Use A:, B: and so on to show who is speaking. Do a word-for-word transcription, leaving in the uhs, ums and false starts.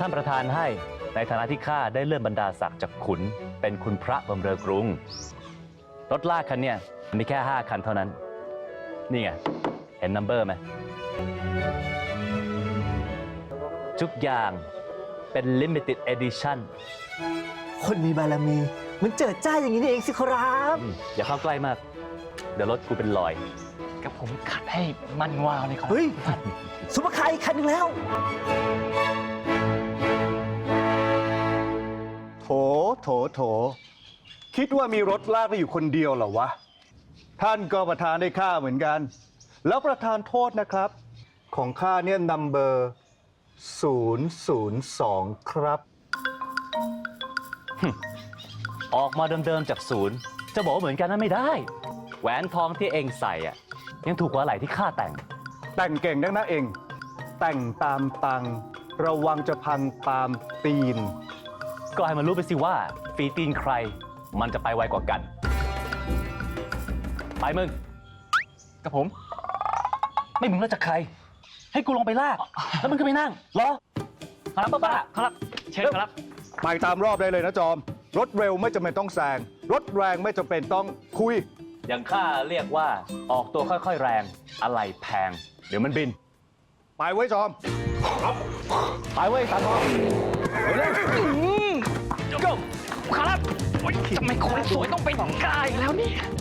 A: ท่านประธานให้ในฐานะที่ข้าได้เลื่อนบรรดาศักดิ์จากขุนเป็นคุณพระบำเรอกรุงรถลากคันเนี่ยมีแค่ห้าคันเท่านั้นนี่ไงเห็นนัมเบอร์ไหมทุกอย่างเป็น limited edition
B: คนมีบารมีมันเจิดจ้าอย่างนี้นี่เองสิครับ
A: อืมอย่าเข้าใกล้มากเดี๋ยวรถกูเป็นรอย
C: กับผมขัดให้มันวาวเลยครับ
B: เฮ้ยซุปเปอร์คาร์อีกคันหนึ่งแล้ว
D: โถ โถ โถ คิดว่ามีรถลากได้อยู่คนเดียวเหรอวะ ท่านก็ประธานได้ข้าเหมือนกัน แล้วประธานโทษนะครับ ของข้าเนี่ยนัมเบอร์ศูนย์ศูนย์สองครับ
A: ออกมาเดิมๆจากศูนย์จะบอกว่าเหมือนกันนั้นไม่ได้ แหวนทองที่เองใส่อะยังถูกกว่าอะไหล่ที่ข้าแต่ง
D: แต่งเก่งนักนะเอง แต่งตามตัง ระวังจะพังตามตีน
A: ก็ให้มันรู้ไปสิว่าฝีตีนใครมันจะไปไวกว่ากัน ไปมึง
C: กับผม
A: ไม่มึงแล้วจะใคร ให้กูลงไปลาก แล้วมึงก็ไปนั่งรอ
C: ครับป้าป้าครับ เชิญครับ
D: ไปตามรอบได้เลยนะจอม รถเร็วไม่จำเป็นต้องแซง รถแรงไม่จำเป็นต้องคุย
A: อย่างข้าเรียกว่าออกตัวค่อยๆแรง อะไรแพง เดี๋ยวมันบิน
D: ไปไว้จอม
A: ไปเว้ยตามทองเร็ว
C: ก็ครับโอ๊ยทำไมคนสวยต้องเป็นกายแล้วเนี่ย